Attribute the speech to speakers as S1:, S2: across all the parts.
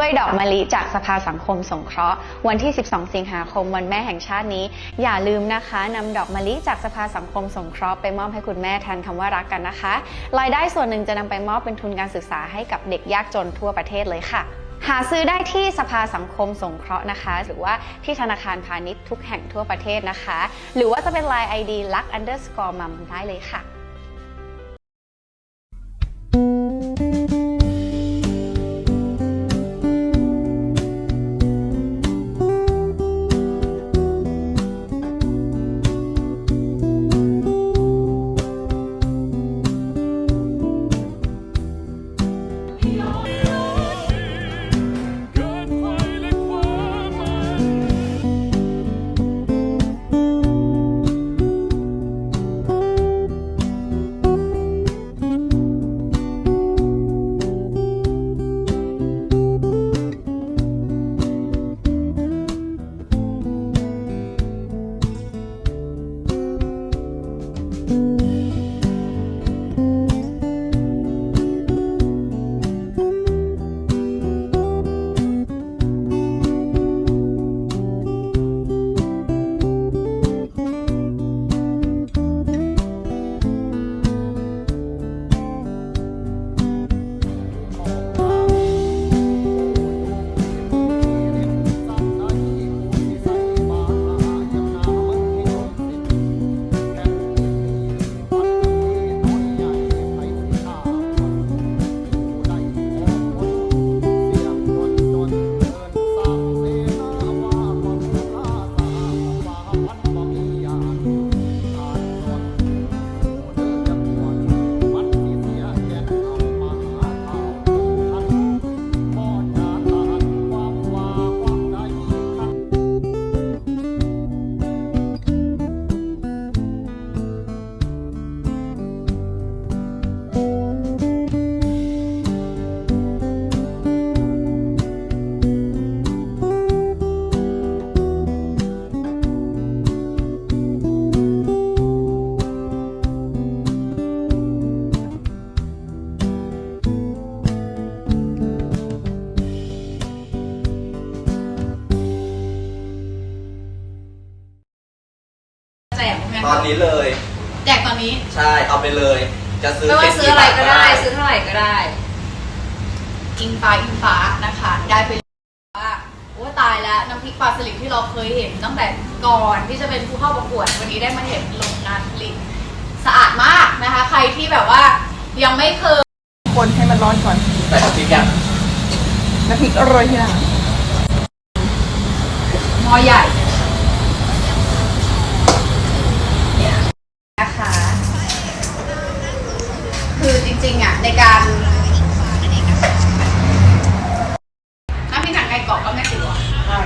S1: ด้วยดอกมะลิจากสภาสังคมสงเคราะห์วันที่ 12 สิงหาคมวันแม่แห่งชาตินี้อย่าลืมนะคะนำดอกมะลิจากสภาสังคมสงเคราะห์ไปมอบให้คุณแม่แทนคำว่ารักกันนะคะรายได้ส่วนหนึ่งจะนำไปมอบเป็นทุนการศึกษาให้กับเด็กยากจนทั่วประเทศเลยค่ะหาซื้อได้ที่สภาสังคมสงเคราะห์นะคะหรือว่าที่ธนาคารพาณิชย์ทุกแห่งทั่วประเทศนะคะหรือว่าจะเป็น LINE ID luck_mum ได้เลยค่ะ
S2: ตอนนี้เลย
S3: แจกตอนนี้
S2: ใช่เอาไปเลยจะซื้อ
S3: ไม่ว่าซื้ออะไรก็ได้ซื้อเท่าไหร่ก็ได้อิงฟ้านะคะได้ไปว่าโอ้ตายแล้วน้ำพริกปลาสลิดที่เราเคยเห็นตั้งแต่ก่อนที่จะเป็นผู้เข้าประกวดวันนี้ได้มาเห็นโรงงานผลิตสะอาดมากนะคะใครที่แบบว่ายังไม่เคย
S4: คนให้มันร้อนก่อน
S2: ใส่น้ำพริกยัง
S4: น้ำพริกอร่อยที่ไหน
S3: หม้อใหญ่นะคะคือจริงๆอ่ะในการน้ำพริกหนังไก่กรอบก็แม่ติ๋ว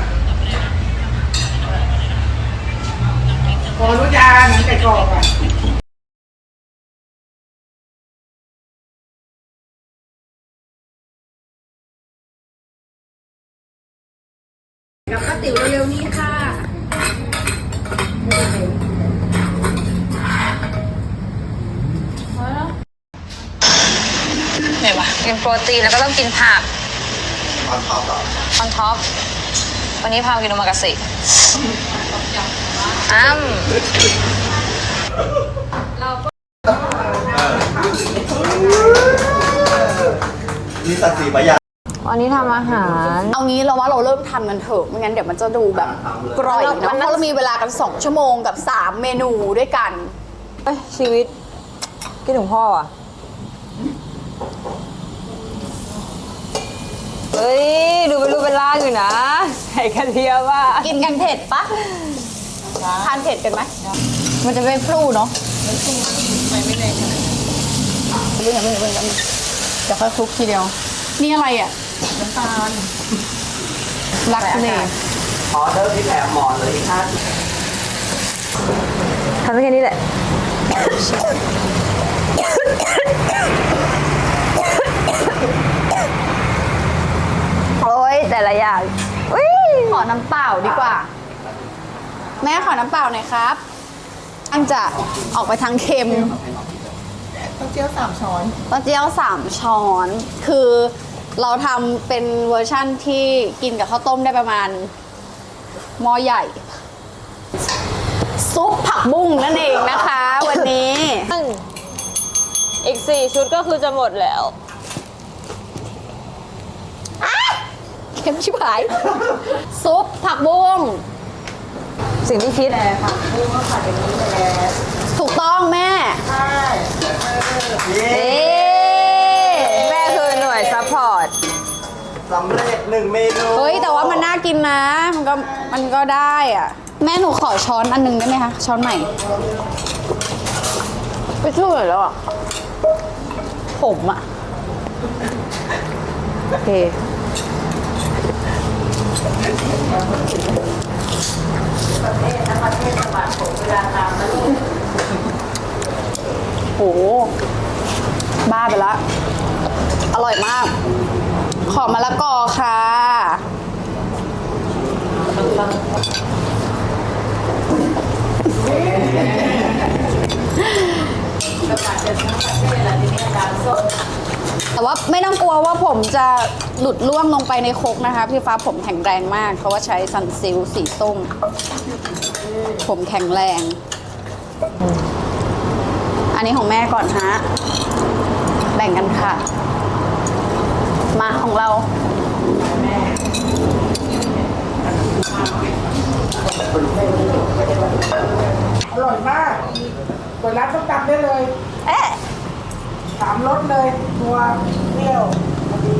S4: พอรู้จักหนังไก่กรอบอ่ะ
S3: กับป้าติ๋วเร็วๆนี้ค่ะ
S5: ไหนวะกินโปรตีนแล้วก็ต้องกินผัก
S2: ออนท็อป
S5: ออนท็อปวันนี้พากินโอมากาเสะ
S3: เราก็
S2: มีสัตว์สีประหยัด
S5: วันนี้ทำอาหาร
S1: เอางี้เราว่าเราเริ่มทำกันเถอะไม่งั้นเดี๋ยวมันจะดูแบบกร่อยเนาะเพราะเรามีเวลากัน2 ชั่วโมงกับ3 เมนูด้วยกัน
S5: ชีวิตคิดถึงพ่ออ่ะเฮ้ยดูเป็นล่างอยู่นะใส่กระเทียมว่า
S1: กินกันเผ็ดปะทานเผ็ดกันไหมมันจะไม่พลูเนาะไม่แรงขนาดนั้นเรื่องจะค่อยคลุกทีเดียวนี่อะไรอ่ะ
S4: น้ำตาล
S1: ลักเลย
S2: ออเดอร์พี่แถมหมอนเลยที่ท่าน
S5: ทำแค่นี้แหละโอ้ยแต่ละอย่าง
S1: ขอน้ำเปล่าดีกว่าแม่ขอน้ำเปล่าหน่อยครับอันจะออกไปทางเค็ม
S4: เต้าเจี้ยว3 ช้อน
S1: เต้าเจี้ยว3 ช้อนคือเราทำเป็นเวอร์ชั่นที่กินกับข้าวต้มได้ประมาณหม้อใหญ่ ซุปผักบุ้งนั่นเองนะคะ วันนี้
S5: อีก 4 ชุดก็คือจะหมดแล้ว
S1: เค็มชิบหาย ซุปผักบุ้ง
S5: สิ่งที่คิด
S1: ถูกต้องแม่
S2: เย้
S5: แม่คือหน่วยซัพพอร์ต
S2: สำเร็จ1 เมนู
S1: เฮ้ย แต่ว่ามันน่ากินนะ มันก็ได้อ่ะ แม่หนูขอช้อนอันนึงได้ไหมคะ ช้อนใหม่ ไปช่วยแล้วอ่ะ ผมอ่ะ โอเค โห บ้าไปละ อร่อยมาก ขอมะละกอค่ะ แต่ว่าไม่ต้องกลัวว่าผมจะหลุดล่วงลงไปในครกนะคะ พี่ฟ้าผมแข็งแรงมาก เพราะว่าใช้ซันซิลสีส้ม ผมแข็งแรง อันนี้ของแม่ก่อนฮะ แบ่งกันค่ะ มาของเรา
S4: อร่อยมากเปิดร้านส้มตำได้เลย
S1: เอ๊ะ
S4: 3 รสเลยตัวเปรี้ยวพอดี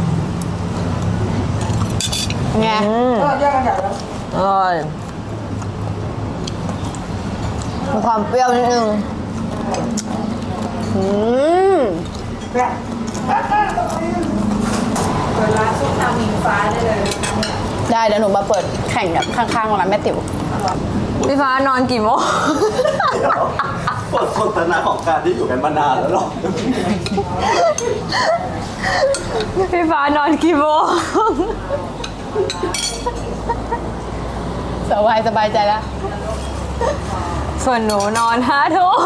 S1: ไง
S4: แยกกันใหญ่แล้ว
S5: อร่อยมีความเปรี้ยวนิดนึง
S4: แซ่บเปิดร้านส้มตำอิงฟ้าได้เลย
S1: ได้เดี๋ยวหนูมาเปิดแข่งกับข้างๆร้านแม่ติ๋ว
S5: พี่ฟ้านอนกี่โมง
S2: บทสนทนาของการที่อยู่กันมานานแล้วหรอ
S5: พี่ฟ้านอนกี่โมง
S1: สบายใจแล้ว
S5: ส่วนหนูนอน5 ทุ่ม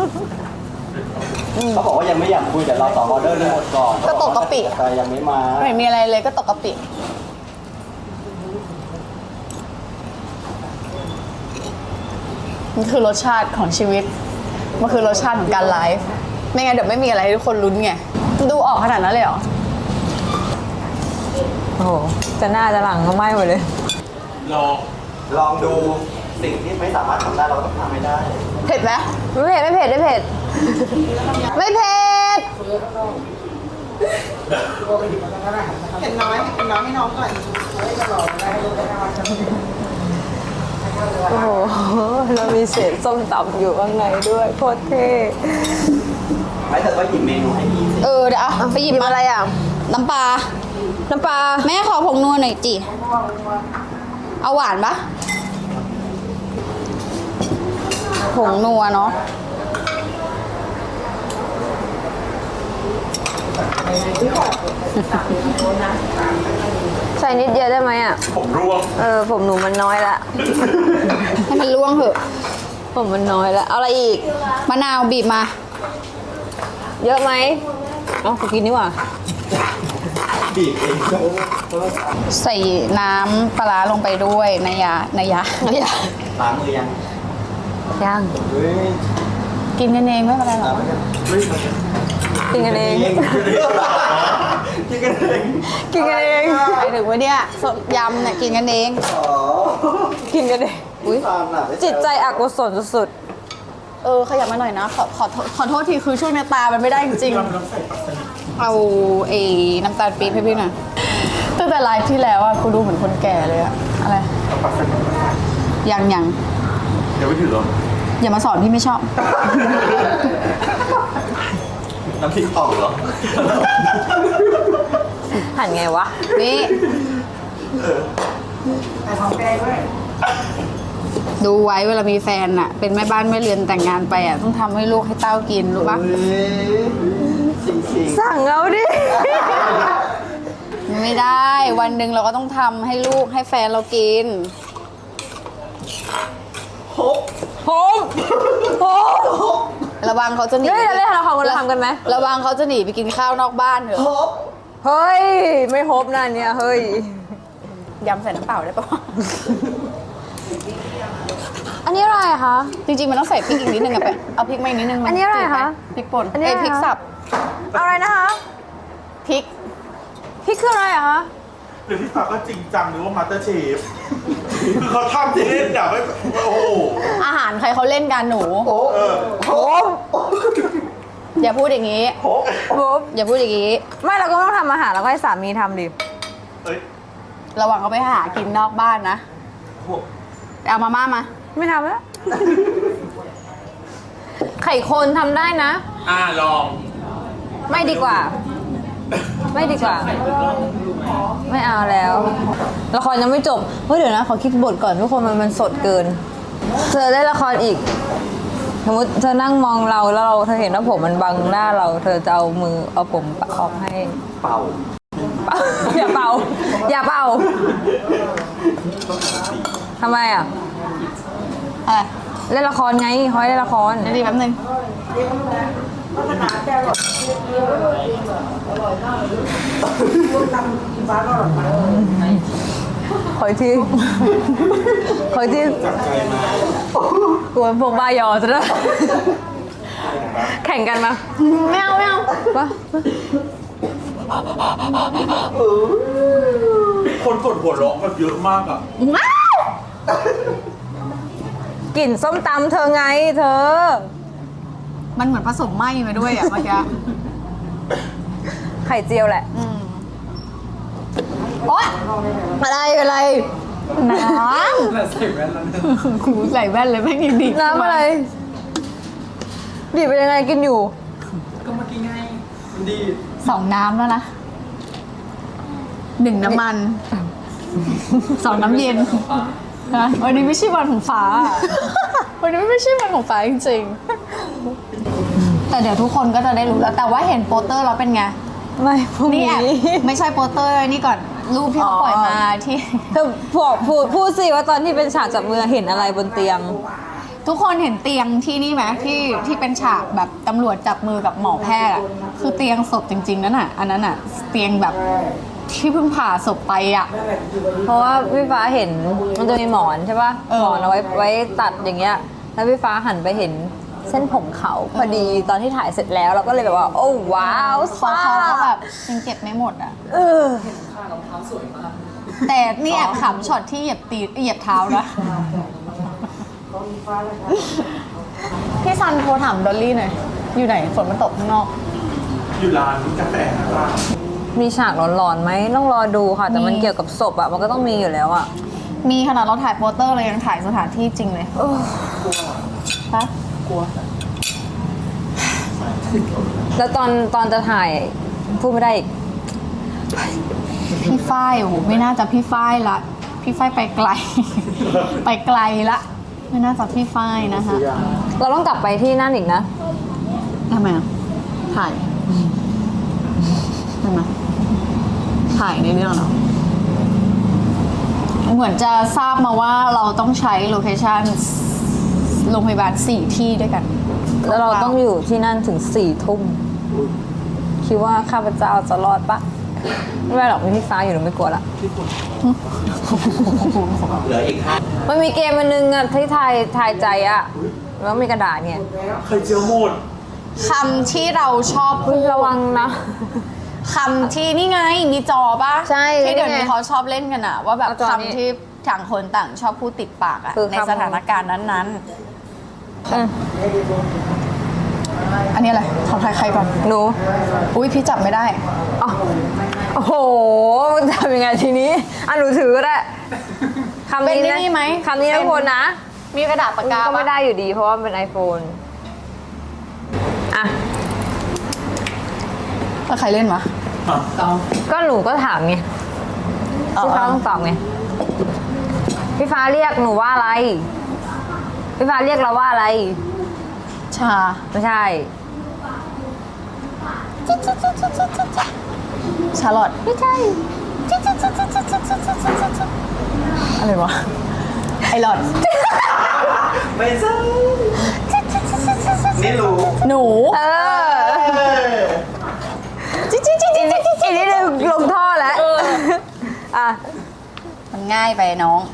S2: เขาบอกว่ายังไม่อยากคุยแต่เราต่อออเดอร์ทั้งหมดก่อน
S1: ก็ตกกะปิ
S2: แต่ยังไม่มา
S1: ไม่เห็นมีอะไรเลยก็ตกกะปิ มันคือรสชาติของชีวิต มันคือรสชาติของการไลฟ์ ไม่งั้นเดี๋ยวไม่มีอะไรให้ทุกคนลุ้นไง ดูออกขนาดนั้นเลยเหรอ
S5: โอ้โห จะหน้าจะหลังก็ไหม้หมดเลย
S2: ลองดูสิ่งที่ไม่สามารถทำได้เราต้องทำให้ได้
S1: เผ็ดไหม
S5: ไม่เผ็ด ไม่เผ็ด
S1: ไม่เผ็ด
S4: เห็นน้อยให้น้องก่อนเฮ้ยจะหล่อได้รู้ได้ว่าจะ
S5: โอ้โห เรามีเศษส้มตำอยู่ข้างในด้วยโคตรเท่
S2: ไม่แต่ว่าหยิบเมนูให้พี่สิ
S1: เออเดี๋ยวเอาไปหยิบมาอะไรอ่ะ น้ำปลา
S5: น้ำปลา
S1: แม่ขอผงนัวหน่อยจิ เอาหวานปะผงนัวเนาะ
S5: ใส่นิดเดียวได้ไหมอ่ะ
S2: ผมร่วง
S5: ผมหนูมันน้อยละ
S1: ให้มันล่วงเถอะ
S5: ผมมันน้อยละ เอาอะไรอีก
S1: มะนาวบีบมา
S5: เยอะไหมเอากูกินดีกว่า
S2: บีบเอง
S1: ใส่น้ำปลาร้าลงไปด้วยนายา
S2: ล้างมือยัง
S5: ยัง
S2: เฮ้ย
S1: กินกันเองไม่เป็นไรหรอก
S2: เฮ้ย
S5: กินกันเอง
S2: กินกันเอง
S5: กินกันเอง
S1: ไปถึงว่าเนี่ยยำเนี่ยกินกันเอง
S2: อ๋อ
S5: กินกันเอง
S1: อุ๊ย
S2: ตามน่ะ
S5: จิตใจอกุศลสุด
S1: ขยับมาหน่อยนะ ขอโทษทีคือช่วงนี้ตามันไม่ได้จริงๆ เอาไอ้น้ำตาลปี๊บให้พี่หน่อยตั้งแต่ไลฟ์ที่แล้วอะกูดูเหมือนคนแก่เลยอะอะไรยัง
S2: เดี๋ยวไม่ถือหรอ
S1: อย่ามาสอนพี่ไม่ชอบ
S2: น้ำพริกอ่องเหรอ
S5: ๆ หั่นไงวะ
S1: นี่
S4: แต่ของแกด้วย
S1: ดูไว้เวลามีแฟนอะเป็นแม่บ้านแม่เรือนแต่งงานไปอะต้องทำให้ลูกให้เต้ากินรู้ปะ
S2: จริง
S5: สั่งเอาดิ
S1: ไม่ได้วันหนึ่งเราก็ต้องทำให้ลูกให้แฟนเรากิน
S2: ๆฮบ
S5: ผมผม
S1: ระวังเขาจะหนี
S5: เฮ้ยเราเล่นเราทำกันไหม
S1: ระวังเขาจะหนีไปกินข้าวนอกบ้านเถอะ
S2: ฮบ
S5: เฮ้ย ไม่ฮบนะเนี่ย เฮ้ย
S1: ยำใส่น้ำเปล่าได้ปะ
S5: อันนี้อะไรอะคะ
S1: จริงๆมันต้องใส่พริกอีกนิดนึงอะไปเอาพริกมาอีกนิดนึงมั
S5: อันนี้อะไร
S1: จืดป
S5: คะ
S1: พริกป่น
S5: อันนี้อะไร
S1: พริก
S5: คะ
S1: สับ
S5: อะไรนะคะ
S1: พริก
S5: พี่คืออะไรอะคะ
S6: หรือพี่ฟ้าก็จริงจังหรือว่ามาสเตอร์เชฟ คือเขาทำเล่นแบบไม่โอ้โห
S1: อาหารใครเขาเล่นกันหนู
S6: เออ
S5: โอ้
S1: อย่าพูดอย่างนี้
S5: โห
S1: อย่าพูดอย่างนี้
S5: ไม่เราก็ต้องทำอาหารแล้วก็ให้สามีทำดิ
S6: เอ้ย
S1: ระวังเขาไปหากินนอกบ้านนะเอามาม่ามา
S5: ไม่ทำแล้ว ไข่คนทำได้นะ
S6: ลอง
S5: ไม่ดีกว่า ไม่ดีกว่า ไม่เอาแล้ว ละครยังไม่จบ เฮ้ยเดี๋ยวนะ ขอคิดบทก่อนทุกคนมันสดเกิน เธอได้ละครอีก สมมติเธอนั่งมองเราแล้วเธอเห็นว่าผมมันบังหน้าเรา เธอจะเอามือเอาผมออกให้
S2: เป่า
S5: อย่าเป่า อย่าเป่าทำไมอ่ะ
S1: อะไร
S5: เล่นละครไงเขาให้เล่นละคร
S1: เดี๋ยวดีแป๊บนึง
S5: ขออีกทีขออีกทีกลัวพวกบ้ายอจะได้แข่งกันมา
S1: ไม่เอาไม่เอา
S5: ปะ
S6: คนกดหัวเราะแบบเยอะมากอ่ะ
S1: ว้าว
S5: กลิ่นส้มตำเธอไงเธอ
S1: มันเหมือนผสมไหม้มาด้วยอ่ะเมื่อกี้
S5: ไข่เจียวแหละ
S1: โอ๊ยอะไรน้ำใส่แว่นแล้วกูใส่แว่นเลยแม่งยังดี
S5: น้ำอะไร ดีเป็นยังไงกินอยู่
S1: สองน้ำแล้วนะหนึ่งน้ำมันสองน้ำเย็นนะวันนี้ไม่ใช่วันของฟ้า วันนี้ไม่ใช่วันของฟ้าจริงๆแต่เดี๋ยวทุกคนก็จะได้รู้แล้วแต่ว่าเห็นโปสเตอร์แล้วเป็นไง
S5: ไม่พรุ่ง
S1: นี่
S5: นี้
S1: แอบไม่ใช่โปสเตอร์นี่ก่อนรูปที่เขาปล่อยมาที่
S5: เธอพูดสิว่าตอนที่เป็นฉากจับมือเห็นอะไรบนเตียง
S1: ทุกคนเห็นเตียงที่นี่ไหมที่เป็นฉากแบบตำรวจจับมือกับหมอแพทย์อะคือเตียงศพจริงๆนั่นน่ะอันนั้นน่ะเตียงแบบที่เพิ่งผ่าศพไปอ่ะ
S5: เพราะว่าพี่ฟ้าเห็นมันจะมีหมอนใช่ป่ะ
S1: เออ
S5: หมอนเอาไว้ตัดอย่างเงี้ย แล้วพี่ฟ้าหันไปเห็นเส้นผมเขาพอดีตอนที่ถ่ายเสร็จแล้วเราก็เลยแบบว่า โอ้ว้าว
S1: เขาก็แบบยังเก็บไม่หมดอ่ะ
S5: เออ
S1: แต่นี่แอบขำช็อตที่เหยียบเท้านะพี่ซันโทรถามดอลลี่หน่อยอยู่ไหนฝนมันตกข้างนอก
S6: อยู่ร้านกาแฟนะครับ
S5: มีฉากหลอนๆไหมต้องรอดูค่ะ แต่มัน
S1: มี
S5: เกี่ยวกับศพอะมันก็ต้องมีอยู่แล้วอะ
S1: มีขนาดเราถ่ายโปสเตอร์เลยยังถ่ายสถานที่จริงเลยฮะกลัว
S5: แล้วตอนจะถ่ายพูดไม่ได้อีก
S1: พี่ฝ้ายโอ้โหไม่น่าจะพี่ฝ้ายละพี่ฝ้ายไปไกล ไปไกลละไม่น่าจะพี่ฝ้ายนะคะ
S5: เราต้องกลับไปที่นั่นอีกนะ
S1: ทำไมอ่ะถ่ายทำไมถ่ายในเรื่องเหรอเหมือนจะทราบมาว่าเราต้องใช้โลเคชั่นโรงพยาบาล4 ที่ด้วยกัน
S5: แล้วเราต้องอยู่ที่นั่นถึง4 ทุ่มคิดว่าข้าพเจ้าจะรอดปะไม่เป็นไรหรอกมีพี่ฟ้าอยู่หนูไม่กลัวละ
S2: เหลืออีก5
S5: มันมีเกมอันนึงอะที่ทายใจอะแล้วมีกระดาษเนี่ย
S6: ไข่เจียวหมด
S1: คำที่เราชอบพูด
S5: ระวังนะ
S1: คำที่นี่ไงมีจอปะ
S5: ใช่
S1: ที่เดี๋ยว
S5: นี่
S1: นี้
S5: ไง
S1: เขาชอบเล่นกันอะว่าแบบ
S5: เอาจอนี้
S1: คำที่ต่างคนต่างชอบพูดติดปากอะ
S5: คือ
S1: ใน
S5: คำ
S1: สถานการณ์นั้น
S5: อืม
S1: ๆ อันนี้อะไรของใครก่อน
S5: หนู
S1: อุ้ยพี่จับไม่ได้
S5: อ๋อโอ้โหมันทำยังไงทีนี้อ่ะหนูถือก็ได้คำ
S1: เป็น
S5: นี้นะ
S1: นี่ไหม
S5: คำนี้นะทุกคนนะ
S1: มีกระดาษปากกา
S5: ก็
S1: ปะ
S5: ไม่ได้อยู่ดีเพราะว่ามันเป็น iPhone อ่ะ
S1: แล้วใครเล่นวะ
S5: ก็หนูก็ถามไงพี่ฟ้าต้องตอบไงพี่ฟ้าเรียกหนูว่าอะไรพี่ฟ้าเรียกเราว่าอะไร
S1: ชา
S5: ไม่ใช่
S1: ชาลอต
S5: ไม่ใช่
S1: อะไรวะ ไอหลอด
S2: ไม่ใช่นี่รู้
S1: หนู
S5: เออ
S1: จิ๊จิ๊จิ๊จิ๊จิ๊จิ๊
S5: อีกนิดนึง
S3: ง่ายไปน้อง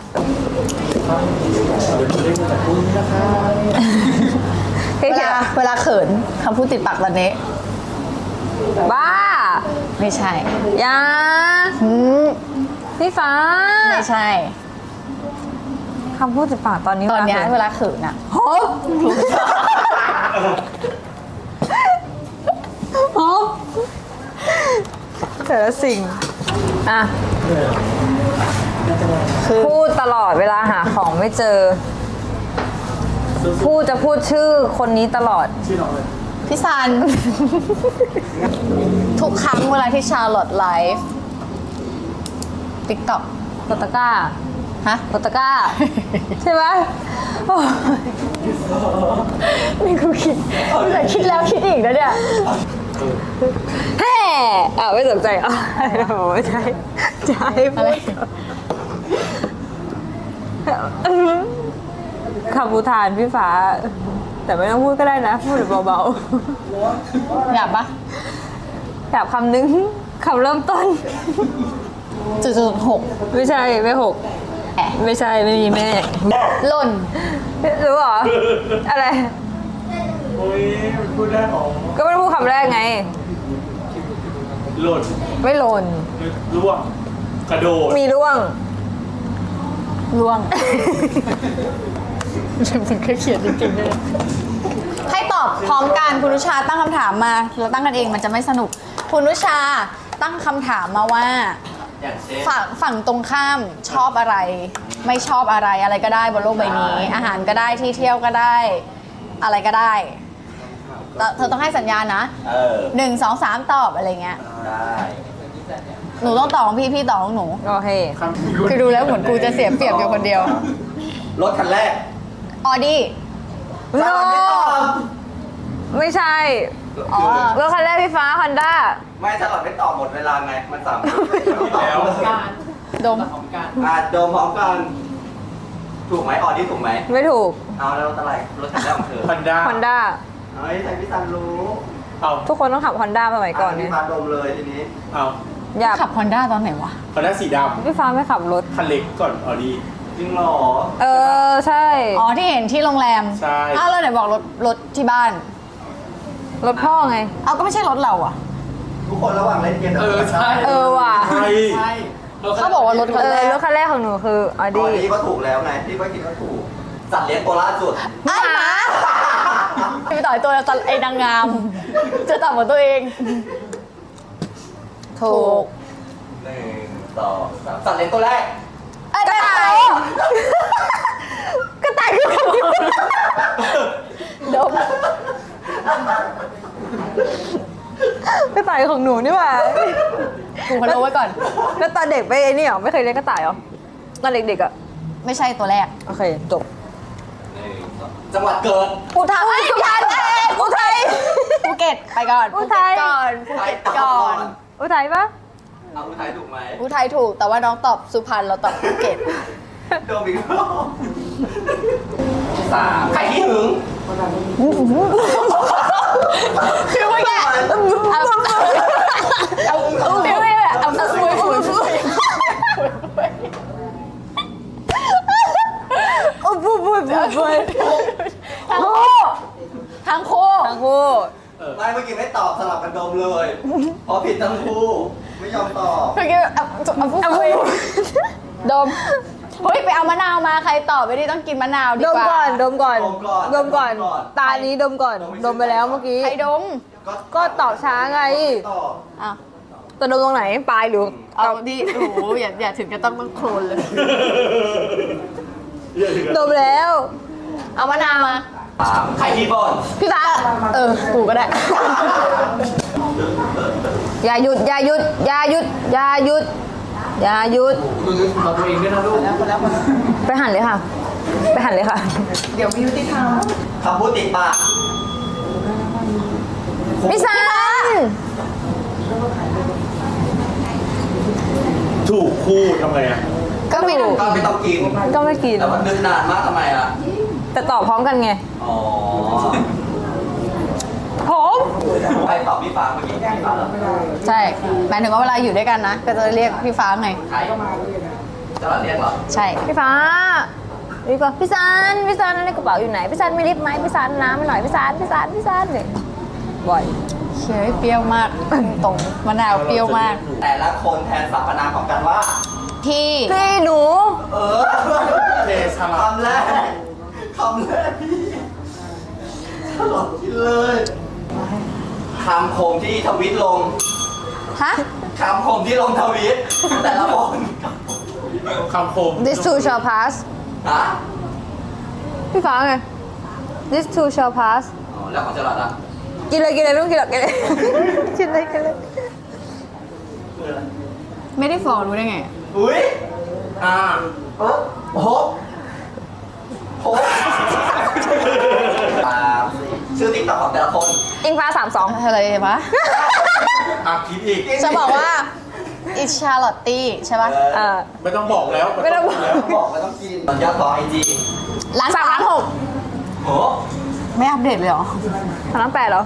S5: เฮ้ย
S3: เวลาเขินคำพูดติดปากตอนนี้
S5: บ้า
S3: ไม่ใช่
S5: อยาพี่ฟ้า
S3: ไม่ใช่
S5: คำพูดติดปากตอนนี้
S3: ตอนเนี้ย
S5: เว
S3: เว
S5: ลา
S3: ลาเขินอะ
S5: โฮปโฮปแต่ละสิ่งอ่ะพูดตลอดเวลาหาของไม่เจอ พูดจะพูดชื่อคนนี้ตลอด
S3: พี่ซัน ทุกครั้งเวลาที่ชาร์ลอตไลฟ์ติ๊กต็อก
S5: โตตะก้า
S3: ฮะ
S5: โตตะก้า ใช่ไหมโอ้ย
S3: นี่กูคิดแต่คิดแล้วคิดอีกนะเนี่ย
S5: แฮ่ไม่สนใจโอ้ยใช่ใช่พูดคำอุทานพี่ฟ้า แต่ไม่ต้องพูดก็ได้นะ พูดเบา
S3: อยากปะ
S5: ๆอยากคำนึงคำเริ่มต้น
S3: 6
S5: ไม่ใช่ไม่หกไม่ใช่ไม่มีแม่
S3: หล่น
S5: รู้เหรอ อะไร
S6: โอ้ยมันพูดได้หรอ
S5: ก็ไม่ได้พูดคำแรกไง
S6: หล่น
S5: ไม่หล่น
S6: ร่วงกระโดด
S5: มีร่วง
S3: ล่วงมันก็เขียนจริงๆเลยให้ตอบพร้อมกันคุณนุชาตั้งคำถามมาเราตั้งกันเองมันจะไม่สนุกคุณนุชาตั้งคำถามมาว่า
S2: อย่างเช่น
S3: ฝั่งตรงข้ามชอบอะไร ไม่ชอบอะไรอะไรก็ได้บนโลกใบนี้ อาหารก็ได้ที่เที่ยวก็ได้ อะไรก็ได้แต่เธอต้องให้สัญญาณนะ 1 2 3 ตอบอะไรเงี้ย
S2: ได้
S3: หนูต้องตอบของพี่พี่ตอบของหนู
S5: โอเค
S3: คือดูแล้วเหมือนกูจะเสียเปรียบอยู่คนเดียว
S2: รถคันแรก
S3: ออดี้
S5: โน
S2: ไม่ตอบ
S5: ไม่ใช่
S3: อ๋อ
S5: รถคันแรกพี่ฟ้าฮอนด้า
S2: ไม่สลับไม่ตอบหมดเวลาไง มัน3
S6: แล้ว
S3: ดม
S2: โดมพร้อมกัน ถูกไหมออดี้ถูกไหม
S5: ไม่ถูก
S2: เอาแล้วรถอะไรรถคันแรกของเธอ
S6: พันด้า
S5: ฮอนด้า
S2: เฮ้ยแต่พี่ซันรู้
S6: เอา
S5: ทุกคนต้องขับฮอนด้าสมัยก่อน
S2: พี่
S5: เนี่ย
S2: พาดมเลยทีนี้
S6: เอา
S5: อยาก
S3: ขับฮอนด้าตอนไหนวะ
S6: พันด้าสีด
S5: พี่ฟ้าไม่ขับรถ
S6: ำคันเล็กก่อนออดี
S2: จริงเหรอ
S5: เออ ใช่
S3: อ๋อที่เห็นที่โรงแรม
S6: ใช่
S3: อ้าวแล้วไหนบอกรถที่บ้าน
S5: รถพ่อไง
S3: เอาก็ไม่ใช่รถเราอ่ะ
S2: ทุกคนระหว่างเล่นเกม
S5: เออว่ะ
S6: ใช่
S3: เขาบอกว่ารถคันแรก
S5: รถคันแรกของหนูคืออ
S2: อ
S5: ดี้
S2: อดี้ก็ถูกแล้วไงพี่ก็คิดว่าถูก สัตว์เลี้ยงตัวล่าสุด
S3: ไอ้หมาไปต่อยตัวไอ้นางงาม จะตอบของตัวเอง ถูก
S2: 1 2 3สัตว์เลี้ยงตัวแรก
S3: ไอ้กระต่าย
S5: ก็ตายคือคำเดียว
S3: ดม
S5: ก็ตายของหนูนี่หว่า
S3: กูพะโล้ไว้ก่อน
S5: แล้วตอนเด็กไปไอ้นี่เหรอไม่เคยเลี้ยงกระต่ายเหรอตอนเด็กๆอ่ะ
S3: ไม่ใช่ตัวแรก
S5: โอเคจบ
S2: จังหวัดเกิด
S3: อุทัยอุทัยอุทัยภูเก็ตไปก่อน
S5: อุทัย
S3: ภูเก็ตก่อน
S5: อุทัยปะ
S2: เอาอุทัยถูกไหม
S3: อุทัยถูกแต่ว่าน้องตอบสุพรรณเราตอบภูเก็ต
S2: โดมอีกรอบ3ใครที่หึง
S3: คือว่าไงเอาฟิวไม่แบบเอาฟุย
S5: โอ้บุย
S3: ทั้งคู่
S5: ทั้งคู่
S2: ไม่เมื่อกี้ไม่ตอบสลับกันโดมเลยเพราะผิดทั้งคู่ ไม่ยอมตอบ
S3: เมื่อกี้เอาฟุยดมเฮ้ยไปเอามะนาวมาใครตอบไม่ได้ต้องกินมะนาวดี
S5: ดม
S3: กว่า
S5: ก่อนดมก่อน
S2: ดมก่อน
S5: ตานี้ดมก่อนดมไปแล้วเมื่อกี้
S3: ใครดม
S5: ก็ตอบช้าไง
S2: ตอบ
S3: อ้าว
S5: แต่ดมตรงไหนปลายหรือ
S3: เอาดิโอ้โหอย่าถึงจะต้องโคลนเลย
S5: ดมแล้ว
S3: เอามะนาวมา
S2: 3ใครที่บ่น
S3: พี่ฟ้ากูก็ได้
S5: อย่าหยุดอย่าหยุดอย่าหยุดอย่าหยุดอย่าหยุดไปหันเลยค่ะ ไปหันเลยค่ะ
S4: เดี๋ยวมียุติธรรม
S2: คำพูดติดปาก
S5: พี่ซัน
S6: ถูกคู่ทำไงอ่ะ
S3: ก็ไม่ถูก
S2: ก็ไม่ต้องกิน
S5: ก็ไม่กิน
S2: แต่ว่านึกนานมากทำไมอ่ะ
S5: แต่ตอบพร้อมกันไง
S2: อ๋อ
S5: ผม
S2: ใครตอบพี่ฟ้าเมื่อกี้พี่ฟ้าเหรอ
S3: ใช่หมายถึงว่าเวลาอยู่ด้วยกันนะ ก็จะเรียกพี่ฟ้าไง
S2: ใครตลาดเรียกเหรอ
S1: ใช่
S5: พี่ฟ้าดีกว่าพี่ซันในกระเป๋าอยู่ไหนพี่ซันมีลิปไหมพี่ซันน้ำให้หน่อยพี่ซันเนี่ยบ่อย
S1: เคี้ยวเปรี้ยวมากตรงมะนาวเปรี้ยวมาก
S2: แต่ละคนแทนสรรพนามของกันว่า
S1: พี่
S5: พี่หนู
S2: เออ
S6: เทสลัด
S2: คำแรกพี่ตลอดกินเลยคำคมที่ทวิตลง
S1: ฮะ
S2: คำคมที่ลงทวิตแต่ละคน
S6: คำคม
S5: this too shall pass
S2: ฮะ
S5: พี่ฟ้าไง this too shall pass
S2: อ๋อแล้วของเจ้าหลัดอ่ะ
S5: กินเลยไม่ต้องกินหรอกกินเลย กินเลย
S2: คืออะไร
S1: ไม่ได้ฟอรู้ได้ไง
S2: อุ้ย
S6: อ่า
S2: โอ้โหชื่อติ๊กต็อกของแต่ละคน
S5: อิงฟ้า32
S1: อะไรวะ
S6: อ่ะคิดอีก
S1: จะบอกว่าอิชาร์ลอตตี้ใช่ปะ
S6: ไม่ต้องบอกแล้ว
S5: ไม่ต้องบอก
S6: แล้ว
S2: บอกไม่ต้องกินยอดต่อไอจี
S1: ล้านสามล้านหก
S2: โห
S1: ไม่อัปเดตเลยเหรอ
S5: 3,800,000เหรอ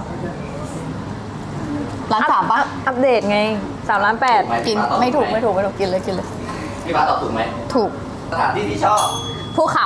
S1: ล้านสามปะ
S5: อัปเดตไง3,800,000
S1: กินไม่ถูกกินเลย
S2: พี่ฟ้าตอบถูกไหม
S1: ถูก
S2: สถานที่ที่ชอบ
S5: ภูเขา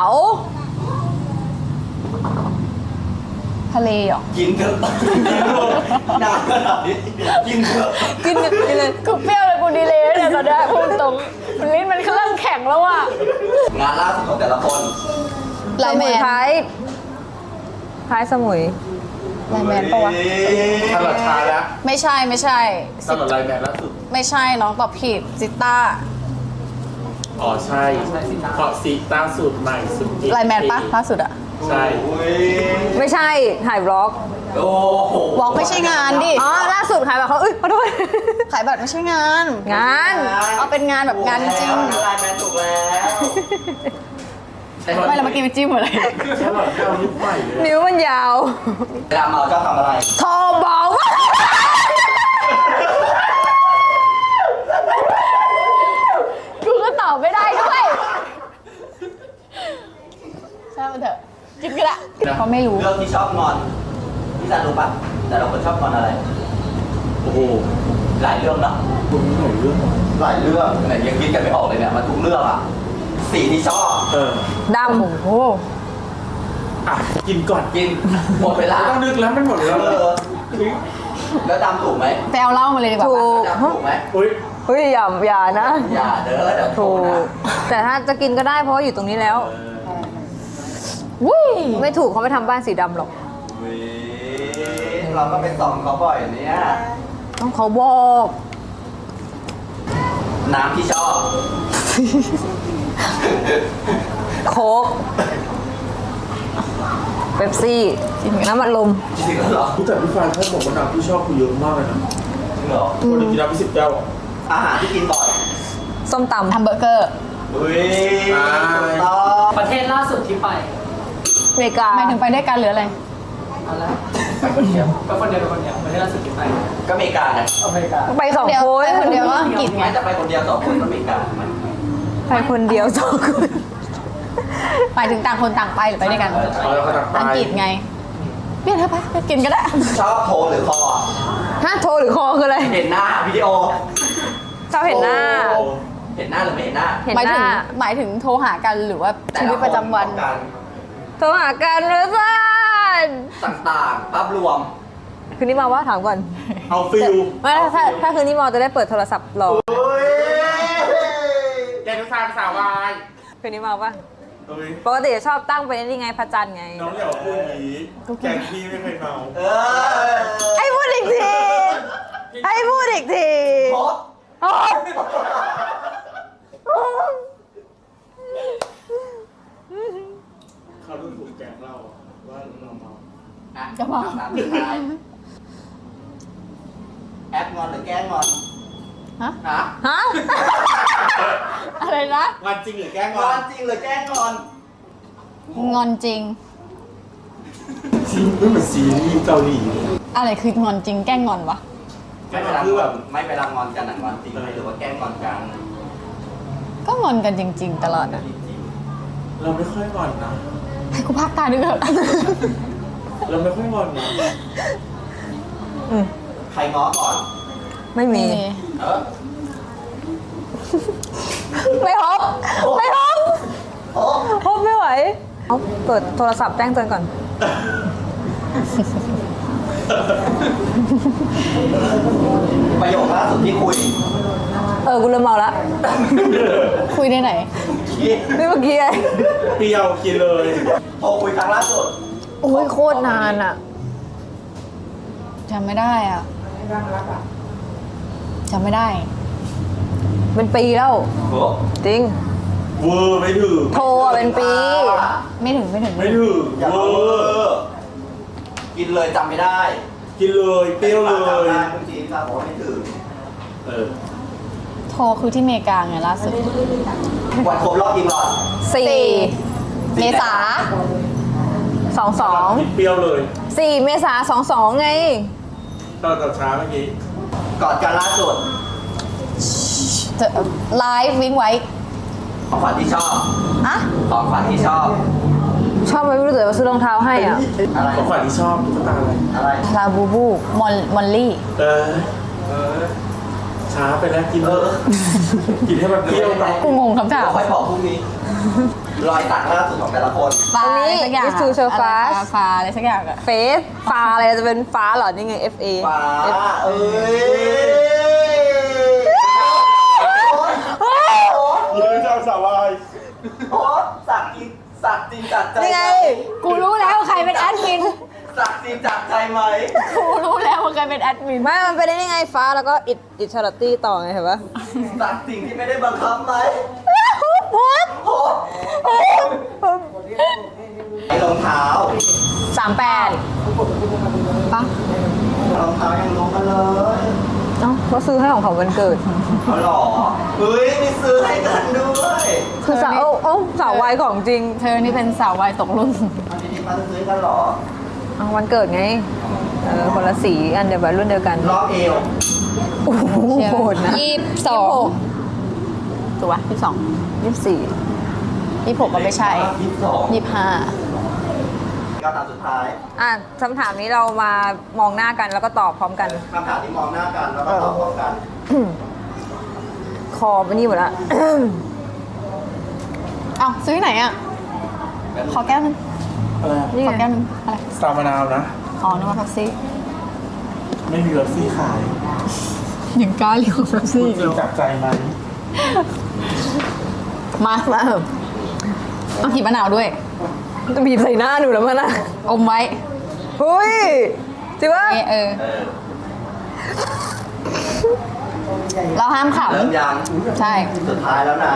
S1: ทะเลเหรอ
S2: กินเถอะนานขนาดนี้กินเถอะ
S5: กินเลย
S1: กูเปรี้ยวเลยกูดีเลยเนี่ยตอนนี้พูดตรงลิ้นมันเริ่มแข็งแล้วอ่ะ
S2: งานล่าสุดของแต่ละคน
S1: ไลน์แมน
S5: ท้ายสมุย
S1: ไลน์แมนปะวะ
S6: ตลอดชาแล้ว
S1: ไม่ใช่
S6: ตลอดไลน์แมนล่าสุด
S1: ไม่ใช่น้องตอบผิดซิต้า
S6: อ๋อใช่เพราะซีต้าสูตรใหม่สุด
S1: ไลน์แมนปะล่าสุดอะ
S6: ใช่
S5: ไม่ใช่ถ่ายบล็อก
S2: โอ้โห
S1: วอล์กไม่ใช่งานดิ
S5: อ๋อล่าสุดขายแบบเขาขอโทษ
S1: ขายบัตรไม่ใช่งาน
S5: งาน
S1: เอาเป็นงานแบบงานจริง
S2: ไลน์แมนถูกแล้ว
S1: ไม่เราเมื่อกี้ไปจิ้มอะไร
S6: ตลอดที่เอายุคใหม่เลย
S5: นิ้วมันยาว
S2: เวลาเมาชอบทำอะไร
S5: โทรบอกว่า
S1: กูก็ตอบไม่ได้ด้วยใช่มันเถอะกินก็ได้เขาไม่รู้
S2: เรื่องที่ชอบงอนพี่ซันรู้ปะแต่ละคนชอบงอนอะไร
S6: โอ้โห
S2: หลายเรื่องเนาะ
S6: คุณหน่อยเรื่อง
S2: หลายเรื่องแต่ยังคิดกันไม่ออกเลยเนี่ยมันทุกเรื่องอะสีที่ชอบ
S5: ดำ
S1: โอ้โห
S6: อ่ะกินก่อน
S2: กินหมดเวลา
S6: ไม่ต้องนึกแล้วมันหมดแล้ว
S2: แล้วดำถูกไหม
S1: ไปเอาเหล้ามาเลยดีกว่า
S5: ถู
S1: ปะ
S5: ก
S2: ดำถูกไหม
S6: อุ้ย
S5: เฮ้ยอย่านะ
S2: อย่าเด้อเดี๋ยวโทร
S5: ถูก
S2: นะ
S5: แต่ถ้าจะกินก็ได้เพราะว่าอยู่ตรงนี้แล้ว
S1: วุ้ย
S5: ไม่ถูกเขาไม่ทำบ้านสีดำหรอก
S2: อุ๊ยเราก็ไปส่องเขาบ่อยเนี่ย
S5: ต้องเขาบอก
S2: น้ำที่ชอบ
S5: โค้กเป๊ปซี่น้ำอัดลม
S2: จริงๆแล้วเหรอ
S6: แต่พี่ฟ้าเขาบอกว่าน้ำที่ชอบคือเยอะมากเลยนะ
S2: จริงเหรอ
S6: คนหนึ่งกินน้ำไป10 แก้วอ่ะ
S2: อาหารที่กินบ่อย
S5: ส้มตำ
S1: แฮมเบอร์เกอร์
S2: อุ้ยถูกต้อง
S7: ประเทศล่าสุดที่ไป
S5: อเมริกา
S1: หมายถึงไปด้วยกันหรืออะไร
S7: อะไร
S2: ไปคนเดียว
S7: ไปคนเดียวประเทศล่าสุดที่ไป
S2: ก็อเมริกาไง
S7: อเมริกา
S5: ไปสอง
S1: เดียว
S5: คน
S1: ไปคนเดียวก็อังกฤษไง
S2: ไม่จะไปคนเดียวสองคนก็อเมริกา
S5: ไปคนเดียวสองคน
S1: หมายถึงต่างคนต่างไปหรือไปด้วยกัน
S6: เอาแล้วก็ตักไป
S1: อังกฤษไงเรียกเธอไปกินก็ได้
S2: ชอบโทรหรือคอ
S5: ฮะโทรหรือคอคืออะไร
S2: เห็นหน้าวิดีโอ
S5: ชอบเห็นหน้า
S2: โอ้เห็นหน้าหรือไม่เห็นหน้า
S5: เห็น
S1: หมาย
S5: ห
S1: ถึง
S5: น้า
S1: หมายถึงโทรหากันหรือว่าชีวิตประจำวัน
S2: แต่ลค
S5: โทรหากันเลยจ้าน
S2: ต่างๆภาพรวม
S5: คืนนี้มาว่าถามก่อน
S6: เอาฟิล
S5: ไม่ถ้าคืนนี้มาจะได้เปิดโทรศัพท์รอ
S2: เฮ้ย
S6: แกทุกทางสาววาย
S5: คืนนี้มาปะ
S6: เอ้ย
S5: ปกติจะชอบตั้งเป็นนี่ไงพระจันทร์ไง
S6: น้องอย่าพูดอย่างนี้แกงพี่ไม่เคยเมา
S2: เออ
S5: ให้พูดอีกทีให้พูดอีกที
S2: โพส
S5: โอ๊ย
S6: เขาดูถูกแกงเราว่าเราเมา
S2: จะบอกถามสุดท้ายแอปงอนหรือแกล้งงอน
S1: ฮะ
S2: ฮะ
S5: ฮะ
S1: อะไรนะ
S6: งานจริงหรือแกล้ง
S2: ง
S6: ง
S2: อ
S6: อน น
S2: จริงหรือแกล้งงอน
S1: งอนจริง
S6: จริงไม่เหมือนซีรีส์เกาหลี
S1: อะไรคืองอนจริงแกล้งงอนวะ
S2: ไม่เวลางอนไม่เวลางอนกันอะงอนจริงไหมหรือว่าแกล้งงอนกัน
S1: ก็งอนกันจริง ๆ ตลอดอะ
S2: จริง
S6: เราไม่ค่อยงอนนะ
S1: ให้กูพักตาด้วยเถอะ
S6: เราไม่ค่อยงอนนะ
S2: ๆใครง้อก่อน
S5: ไม่มี
S2: เออ
S5: ไม่ฮบไม่ฮบ
S2: โอ้
S5: ฮบไม่ไหวเอาเปิดโทรศัพท์แจ้งเตือนก่อน
S2: ประโยคล่าสุดที่คุย
S5: กูเริ่มเมาละ
S1: คุยได้ไหน
S5: นี่เมื่อกี้ไง
S6: เปรี้ยวกินเลย
S2: โทรคุยครั้งล่าสุด
S5: โอ้ยโคตรนานอ่ะ
S1: จำไม่ได้อ่ะจำไม่ได้
S5: เป็นปีแล้ว
S2: โอ้
S5: จริง
S6: เวอร์ไม่ถึง
S5: โทรอะเป็นปี
S1: ไม่ถึง
S6: ไม่ถึง
S2: อย่า
S6: เว
S2: เว
S6: อ
S2: อ
S6: ร์
S2: ร์กินเลยจำไม่ได้
S6: กินเลยเปรี้ยวเลย
S2: จำได้คุณจีนครับบอกว่าไม่ถึง
S6: เออ
S1: โทรคือที่อเมริกาไงล่าสุด
S2: วันครบรอบกินหลอด
S5: 4
S1: เมษา
S5: 22
S6: กินเปรี้ยวเลย
S5: 4 เมษา22ไง
S6: ตอนเช้าเมื่อกี้
S2: กอดกันล่าสุด
S1: ไลฟ์วิ่งไว้
S2: ของขวัญที่ชอบ
S1: อะ
S2: ของขวัญที่ชอบ
S5: ชอบไหมไม่รู้แต่ว่าซื้อรองเท้าให้อ่ะ
S2: อะไร
S6: ของขวัญที่ชอบตุ๊กตาอะไร
S2: อะไร
S1: ลาบูบูมอลลี่
S6: เออ ช้าไปแล้วกินกินให้มันเปรี้ยวหน่อย
S1: กูงงคำถาม
S2: ค่อยบอกพรุ่งนี้ รอยสักล่าสุดของแต่ละคน
S1: ฟ้า
S5: ตรงนี้
S1: อะไรสักอย่าง
S5: Miss Two So
S1: อะไร
S5: Fast
S1: ฟ้าอะไรสักอย่างอะ
S5: เฟสฟ้าอะไรจะเป็นฟ้าเหรอ นี่ไง FA
S2: ฟ้าเอ้ย
S6: ยืนเจ้าสาวาย
S2: โอ๊ตสักจริงสักจริงจัดใจ
S5: นี่ไง
S1: กูรู้แล้วใครเป็นแอดมิน
S2: สักจริงจัดใจไหม
S1: กูรู้แล้วว่าใครเป็นแอดมิน
S5: ไม่ มันเป็นได้ยังไงฟ้าแล้วก็อิชาร์ตี้ต่อไงเห็นปะ
S2: สักสิ่งที่ไม่ได้บังคับไหมโอ๊ตไอรองเท้า
S1: 38ปะ
S2: รองเท้ายังลงมาเลย
S5: เอ้าก็ซื้อให้ของเขาวันเกิด
S2: เขาหรอเฮ้ยมีซื้อให้กันด้วย
S5: คือสาวสาววัยของจริง
S1: เธอนี่เป็นสาววัยตกรุ่น
S2: อันนี้มาซื้อกันหรอ
S5: เอาวันเกิดไง คนละสีอันเดียวกันรุ่นเดียวกัน
S2: รอบเอว
S5: โอ้โหโหดนะ
S1: 22ถูกปะ22
S5: 24
S1: 26ก็ไม่ใช่
S2: 22
S1: 25
S2: ก็ตามสุดท้าย
S5: อ่ะคำถามนี้เรามามองหน้ากันแล้วก็ตอบพร้อมกัน
S2: คำถามที่มองหน้ากันแล้วก็ตอบพร้อมกัน
S5: คอไปนี่หมดละ
S1: เอ้าซื้อที่ไหนอ่ะ ขอแก้วนึง
S6: อะไร
S5: นี่
S1: ขอ
S5: ไง
S1: แก้วนึงอะไร
S6: สตาร์มะนาวนะ
S1: อ๋อนึกว่าแท็กซี่
S6: ไม่มีรถซี่ขาย
S1: ยังกล้าเรียกว่าแท็กซี่
S6: จริงจับใจไหม
S1: มาเอาขีบมะนาวด้วย
S5: จะบีบใส่หน้าหนูแล้วมันนะ
S1: อมไว้
S5: เฮ้ยจริงปะ
S1: นี่
S2: เออ
S1: เราห้ามข
S2: เริ่มยัง
S1: ำใช่
S2: สุดท้ายแล้วนะ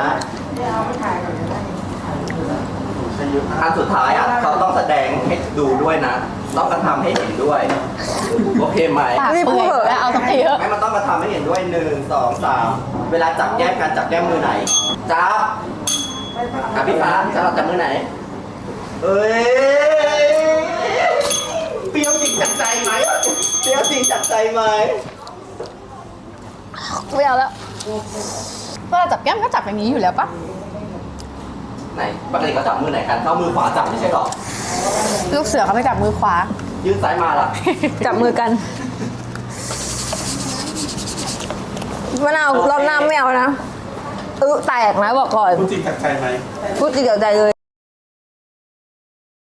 S2: อันสุดท้ายอ่ะเขาต้องแสดงให้ดูด้วยนะ ต้องกระทำให้เห็นด้วย โอเคไหม
S1: ปากเปื่อยแล้วเอาสักทีเถอะ
S2: ไม่มันต้องกระทำให้เห็นด้วย1 2 3เวลาจับแก้มกันจับแก้มมือไหนจับพี่ฟ้าจะเราจับมือไหน เอ้ยเปรี้ยวจริงจัดใจไหมเปรี้ยวจริงจัดใจไหม
S1: ไม่เอาแล้วเวลาจับแก้มก็จับอย่างนี้อยู่แล้วปะ
S2: ไหนปกติเขาจับมือไหนกันเขามือขวาจับไม่ใช่หรอ
S1: ลูกเสือเขาไปจับมือขวา
S2: ยื่นซ้ายมาล่ะ
S5: จับมือกันมะนาวรอบหน้าไม่เอานะแตกนะบอกก่อน
S6: พูดจริงจับใจไหม
S5: พูดจริงเดี๋ยวใจเลย